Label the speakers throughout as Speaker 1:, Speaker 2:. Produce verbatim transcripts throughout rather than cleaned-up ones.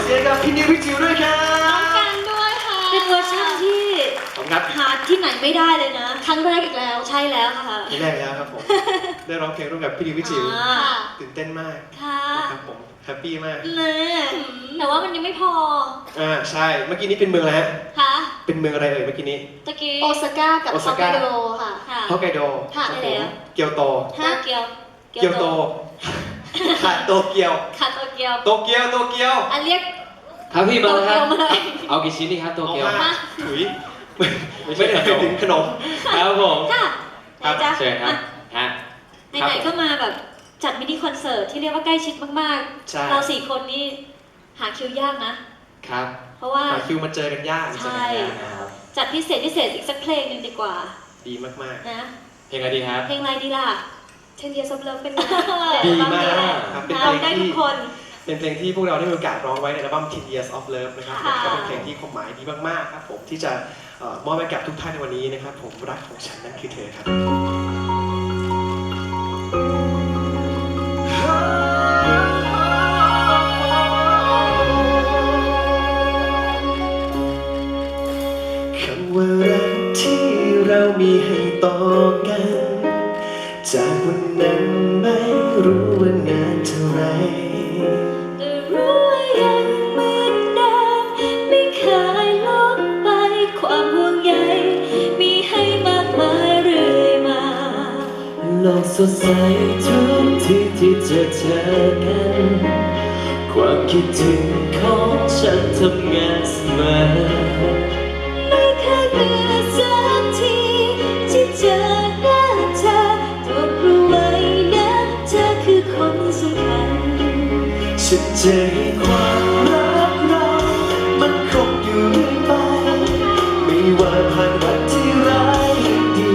Speaker 1: เสียงกับพี่นิวพี่จิ๋วด้วยครับ
Speaker 2: น้องกันด้วยค่ะเป็นเวอร์ชันที่
Speaker 1: ผมครับ
Speaker 2: หาที่ไหนไม่ได้เลยนะครั้งแรกอีกแล้วใช่แล้วค่ะ
Speaker 1: ที่แรกแล้วครับผมได้ร้องเพลงร่วมกับพี่นิวพี่จิ๋ว
Speaker 2: อ่า
Speaker 1: ตื่นเต้นมาก
Speaker 2: ค่ะ
Speaker 1: นะครับผมแฮปปี้มาก
Speaker 2: เน่แต่ว่ามันยังไม่พอ
Speaker 1: อ่าใช่เมื่อกี้นี้เป็นเมืองอะไรฮะ
Speaker 2: ค่ะ
Speaker 1: เป็นเมืองอะไรเอ่ยเมื่อกี้นี้
Speaker 2: ตะกี้
Speaker 3: โอซาก้ากับ
Speaker 1: โอ
Speaker 3: ฮ
Speaker 1: ซา
Speaker 3: อก
Speaker 1: ก้า
Speaker 3: ไกโดค่ะ
Speaker 2: ค่ะ
Speaker 1: ฮอกไกโด
Speaker 3: ค่ะ
Speaker 1: ครับ
Speaker 2: ใช่
Speaker 1: ผม
Speaker 2: แล้ว
Speaker 1: เกียวโต
Speaker 2: โตเกียว
Speaker 1: เกียวโตค่ะโตเกียว
Speaker 2: ค่ะโตเกียว
Speaker 1: โตเกียวโตเกียว
Speaker 2: อันเรียก
Speaker 4: ครับพี่มา
Speaker 2: โต
Speaker 4: แล้วค
Speaker 2: เกี
Speaker 4: รั
Speaker 2: ยว
Speaker 4: บ
Speaker 2: มาเลย
Speaker 4: เอากี่ชิ้นดีครับโตเกียว
Speaker 1: อามาถุยไม่
Speaker 4: ไม่ใช่
Speaker 1: ไม่ได้
Speaker 4: ขนม
Speaker 1: ถึงขนม
Speaker 4: ครับผม
Speaker 2: ค่ะไหนจ๊ะ
Speaker 4: เชิญครับฮะ
Speaker 2: ไหนๆก็มาแบบจัดมินิคอนเสิร์ตที่เรียกว่าใกล้ชิดมาก
Speaker 1: ใช่
Speaker 2: ๆ เราสี่คนนี่หาคิวยากนะ
Speaker 4: ครับ
Speaker 2: เพราะว่า
Speaker 1: หาคิวมาเจอกันยาก
Speaker 2: ใช่
Speaker 4: ครับ
Speaker 2: จัดพิเศษพิเศษอีกสักเพลงหนึ่งดีกว่า
Speaker 1: ดีมาก
Speaker 2: นะ
Speaker 4: เพลงอะไรดีครับ
Speaker 2: เพลงอะไรดีล่ะ
Speaker 3: เทนเดียซับเลิฟเป็นไง
Speaker 1: ๆ ดีมากครับเป็นเพ
Speaker 2: เรา
Speaker 1: ลง
Speaker 2: ได้ทุ
Speaker 1: ที่
Speaker 2: กคน
Speaker 1: เป็นเพลงที่พวกเราได้มีโอกาสร้องไว้ในอัลบั้ม ten years of love นะครับ
Speaker 2: ค่ะ
Speaker 1: ก็เป็นเพลงที่ความหมายดีมากๆครับผมที่จะเอ่อมอบให้กับทุกท่านในวันนี้นะครับผมรักของฉันนั้นคือเธอครับคำว่ารักที่เรามีให้ต่อกัน จากวันนั้นไม่รู้ว่านานเท่าไร
Speaker 2: แต่รู้ว่ายังเหมือนเดิมไม่เคยลดไปความห่วงใยมีให้มากมายเรื่อยมา
Speaker 4: โลกสดใสทุกที่ที่เจอเจอกัน ความคิดถึงของฉันทำงานเสมอ
Speaker 2: ไม่เคยเบื่อสักทีที่เจอหน้าเธอต้องรู้ไว้นะเธอคือคนสำคัญ
Speaker 1: ฉันจะให้ความรักเรามันคงอยู่เรื่อยไป ไม่ว่าผ่านวันที่ร้ายหรือดี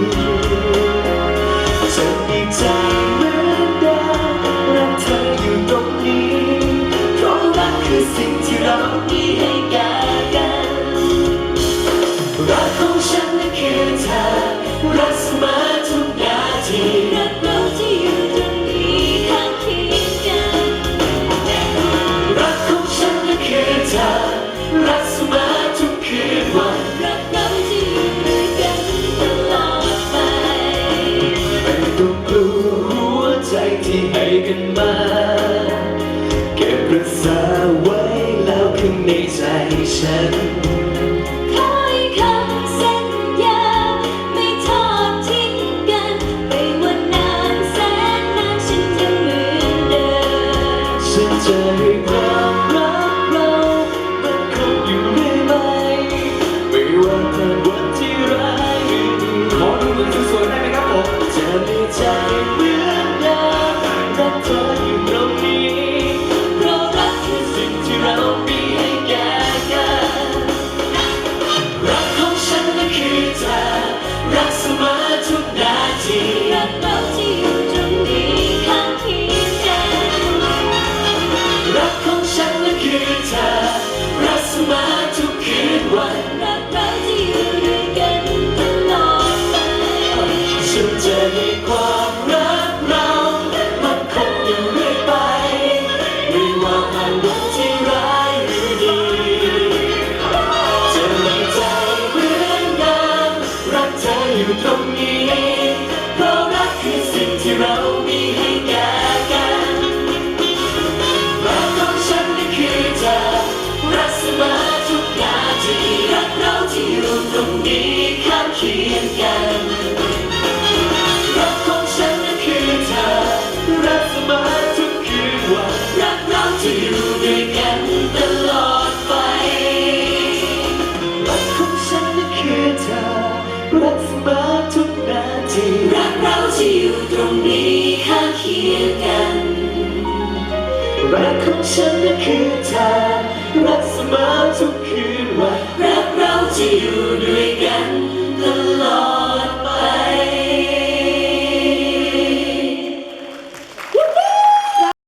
Speaker 1: จะมีใจเหมือนเดิมรักเธออยู่ตรงนี้ เพราะรักคือสิ่งที่เรามีให้กันรักของฉันนั้นคือเธอรักเสมอทุกนาที
Speaker 2: รักเราที่อยู่ตรงนี้ข้างเคียงกัน
Speaker 1: รักของฉันนั้นคือเธอรักเสมอทุกคืนวัน
Speaker 2: รักเราที่อยู่ด้วยกันตลอดไป
Speaker 1: ไม่ต้องกลัวหัวใจที่ให้กันมาเก็บรักษาไว้แล้วข้างในใจฉัน
Speaker 2: ขอให้คำสัญญาไม่ทอดทิ้งกันไม่ว่านานแสนนานฉันยังเหมือนเดิม
Speaker 1: ฉันจะให้ความรักเรามันคงอยู่เรื่อยไปไม่ว่าผ่านวันที่ร้ายหรือดีขอดูมือสวยๆได้ไหมครับผมจะมีใจเหมือนเดิมรักเธออยู่ตรงนี้เพราะรักคือสิ่งที่เรามีให้แก่กันรักของฉันนั้นคือเธอรักเสมอทุกนาที
Speaker 2: รักเราที่อยู่ตรงนี้ข้างเคียงกัน
Speaker 1: รักของฉันนั้นคือเธอรักเสมอทุกคืนวัน
Speaker 2: รักเราที่อยู่ด้วยกันตลอดไป
Speaker 1: ฉันจะให้ความรักเรามันคงอยู่เรื่อยไปไม่ว่าผ่านวันที่ร้ายหรือดีจะมีใจเหมือนเดิมรักเธออยู่ตรงนี้เพราะรักคือสิ่งที่เรามีให้แก่กันรักของฉันนั้นคือเธอรักเสมอทุกนาทีรักเราที่อยู่ตรงนี้ข้างเคียงกันรักของฉันนั้นคือเธอรักเสมอทุกคืนวันรักเราที่อยู่ด้วยกันตลอดไปรักของฉันนั้นคือเธอรักเสมอทุกนาทีรักเราที่อยู่ตรงนี้ข้างเคียงกันรักของฉันนั้นคือเธอรักเสมอทุกคืนวันรักเราที่อยู่ด้วย